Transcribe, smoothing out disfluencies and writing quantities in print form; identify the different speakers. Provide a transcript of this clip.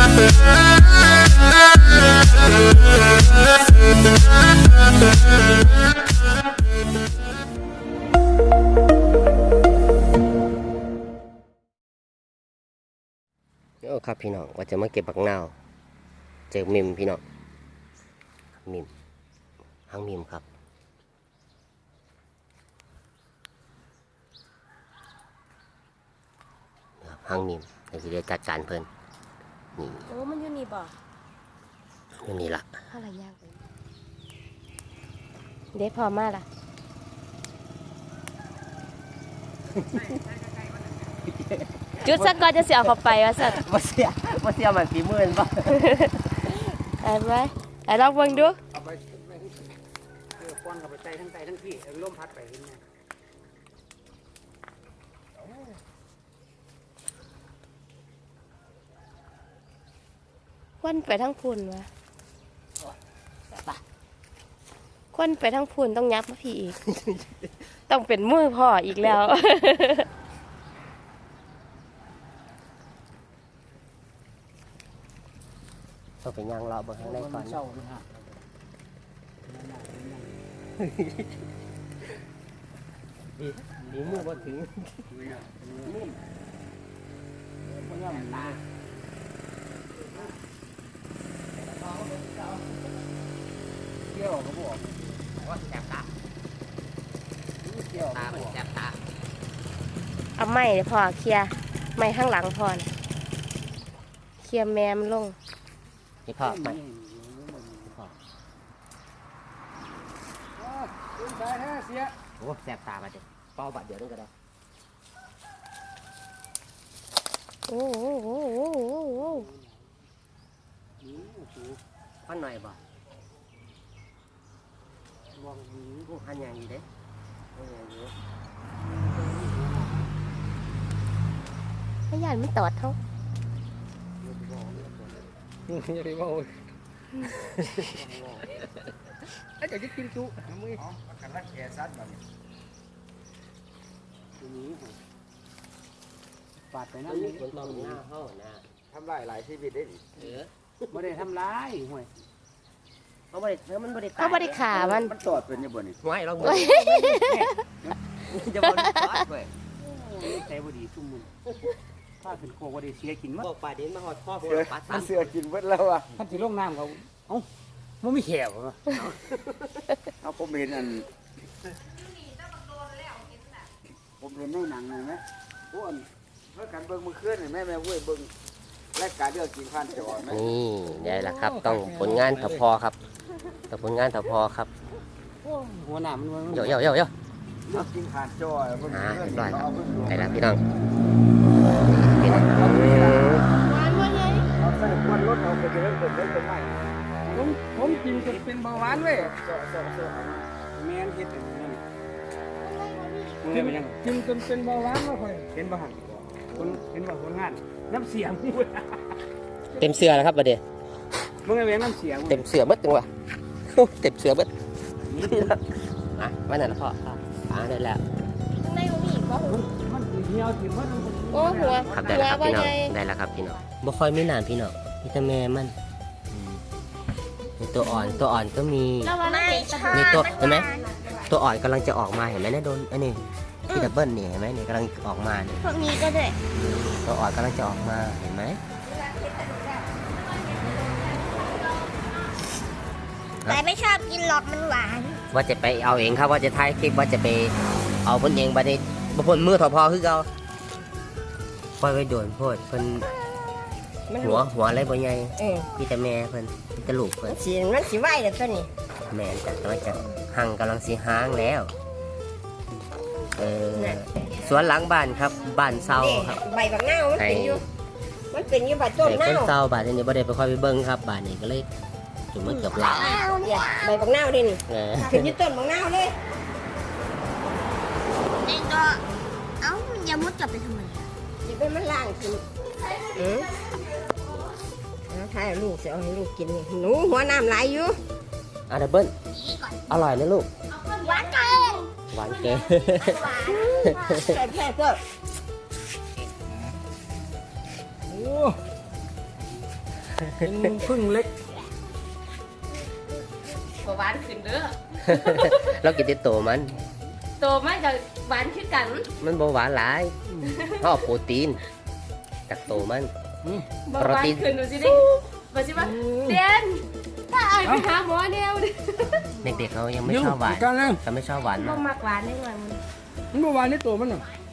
Speaker 1: โอ้ครับพี่น้องว่าจะมาเก็บบักนาวเจอมิมพี่น้องมิมหางมิมครับหางมิมเราจะได้จัดการเพิ่นนี่
Speaker 2: โอ้มันอยู่นี่บ่
Speaker 1: อยู่นี่ละ
Speaker 2: อะไรยากเลยเด็ดพอมากล่ะจุดสักก่อนจะเสียเข้าไปว่าสัตว์
Speaker 1: มาเสียมันฝีมือป่ะ
Speaker 2: ไอ้ไว้ไอ้ลองเบิ่งดู
Speaker 3: เอาไปป้อนกับไปใจทั้งใจทั้งที่ลมพัดไปเห็นไหม
Speaker 2: ควนไปทั้งพุ่นวะควนไปทั้งพุ่นต้องยับมาพี่อีก ต้องเป็นมือพ่ออีกแล้ว
Speaker 1: ต้องไปย่างรอเบิ่งข้างในก่อนดีมือบ่ถึง
Speaker 3: เกี่ยวก็บอก
Speaker 1: ว่าแสบตา
Speaker 3: เกี่ยว
Speaker 1: ตามันแสบตา
Speaker 2: เอาไม้พ่อเคลียร์ไม้ข้างหลังพ่อนะเคลียร์แมมลง
Speaker 1: นี่พ่อไปโอ้แสบตามาเด็กเป้าบาดเดียวนึงก็ได้
Speaker 2: โอ้โห
Speaker 1: พันหน่อยบ่มองพวกพันอย่างนี้เด้
Speaker 2: พยานมันตอดเท่า
Speaker 3: อย่าไปว่าไอ้เจ้าจะกินจุมือกันรักแก่ซัดแบบนี้ปาดไปนั่นนี่
Speaker 1: คนต้องหน้าห้องนะ
Speaker 3: ทำลายหลายชีวิตได้ดิไม่ได้ทำร้ายห่วย
Speaker 1: เขาไม่ได้มันไม่ได้
Speaker 2: เขาไม่ได้ขามัน
Speaker 3: ตอดเป็นยังไง
Speaker 1: ไม่ลองมือจะบอลตอดเว้ย
Speaker 3: ใจบดีทุ่มมือถ้าเป็นโคบดีเสียกินมั้ง
Speaker 1: บอกป่าเด่นมาหอดพ่อผมปัดสาม
Speaker 3: เสือกินเบิดแล้วอ่ะท่านที่ลงน้ำเขาเอ้ามันไม่แขวเหรอเอาผมเห็นอันผมเห็นในหนังเลยไหมพวกเมื่อการเบิ้งมือเคลื่อนแม่เว้ยเบิ้งและการเลือกกินผ่านจอไหม
Speaker 1: นี่ได้ละครับต้องผลงานถ้าพอครับต้องผลงานถ้าพอครับ
Speaker 3: หัวหน้ามัน
Speaker 1: เยอะเลื
Speaker 3: อกกินผ่านจอ
Speaker 1: ได้ครับได้แล้วพี่น้องพี่น้อง
Speaker 3: เอาใส่ควันรถเอาไปเดินเป็นไม่ผมกินจนเป็นเบาหวานเว้ยแมนเห็ดนั่นกินจนเป็นเบาหวานมาค่อยเห็นบ้างคนเห็นบ้างคนงานน้ำเสียง
Speaker 1: เต็มเสือแล้วครับประเดี๋ยว
Speaker 3: มึงไอ้เว้นน้ำเสียง
Speaker 1: เต็มเสือบึ้ดจังวะเต็มเสือบึ้ดอ่ะวันนั้นละพ่อได้แล้ว
Speaker 2: ในหัวมีก็
Speaker 3: มันเหี่ยวถิ่มมัน
Speaker 2: โอ้หัว
Speaker 1: ครับได้แล้วครับพี่น้องได้แล้วครับพี่น้องบ่ค่อยไม่นานพี่น้องพี่ตาแม่มันตัวอ่อนก็มีมีตัวเห็นไหมตัวอ่อนกำลังจะออกมาเห็นไหมเนี่ยโดนอันนี้ที่ดับเบิลนี่เห็นไหมนี่กำลังออกมาเนี่ย
Speaker 2: พวกนี้ก็ได้
Speaker 1: ตัวอ่อนกำลังจะออกมาเห็นไหม
Speaker 2: แต่ไม่ชอบกินหรอกมันหวาน
Speaker 1: ว่าจะไปเอาเองครับว่าจะถ่ายคลิปว่าจะไปเอาบนเองบัดนี้บนมือถอพอคือเราปล่อยไว้โดนโพดเพิ่นหัวอะไรบ่ใหญ่พี่แต่แม่เพิ่นพี่แต่ลูกเพิ่น
Speaker 2: มันสิไหวเด้อตัวนี้
Speaker 1: แม่จัดตัวจัดหั่งกำลังสิหางแล้วสวนหลังบ้านครับบ้านเซาครับ
Speaker 2: ใบบักนาวมันเป็นอยู่บ้านต้นนาว
Speaker 1: ต้นเซาบ้านนี้บ่ได้ไปค่อยไปเบิ่งครับบ้านนี้ก็เลยจุ่มมันเกือบหลาย
Speaker 2: ใบบักนาวดินี่เป็นอยู่ต้นบักนาวเลยนี่ก็เอ้าอย่ามุดจับไปทำไมอย่าไปมันล่างกินถ้าลูกจะเอาให้ลูกกินหนูหัวน้ำไหลอยู่
Speaker 1: ดับเบิ้ลอร่อยนะลูก
Speaker 2: หวานเกิน
Speaker 1: หวานเกิน
Speaker 2: แค่ก็
Speaker 4: เป็นพึ่งเล็ก
Speaker 2: บ่หวานขึ้นเด้อ
Speaker 1: เรากินแต่โตมัน
Speaker 2: โตมันก็หวานคือกัน
Speaker 1: มันบ่หวานหลายเขาเอาโปรตีนจากโตมัน
Speaker 2: บ่หวานขึ้นดูสิดิบ่สิว่าเดนถ้าอายไปหาหมอแนวดิ
Speaker 1: เด็กๆเขายังไม่ชอบหวาน
Speaker 4: กันเลย
Speaker 1: เขาไม่ชอบหวาน
Speaker 2: บ่
Speaker 1: มาก
Speaker 2: มักหวานได้หน่อยมัน
Speaker 4: มันเมื่อวานนี้ตัวมันน่ะ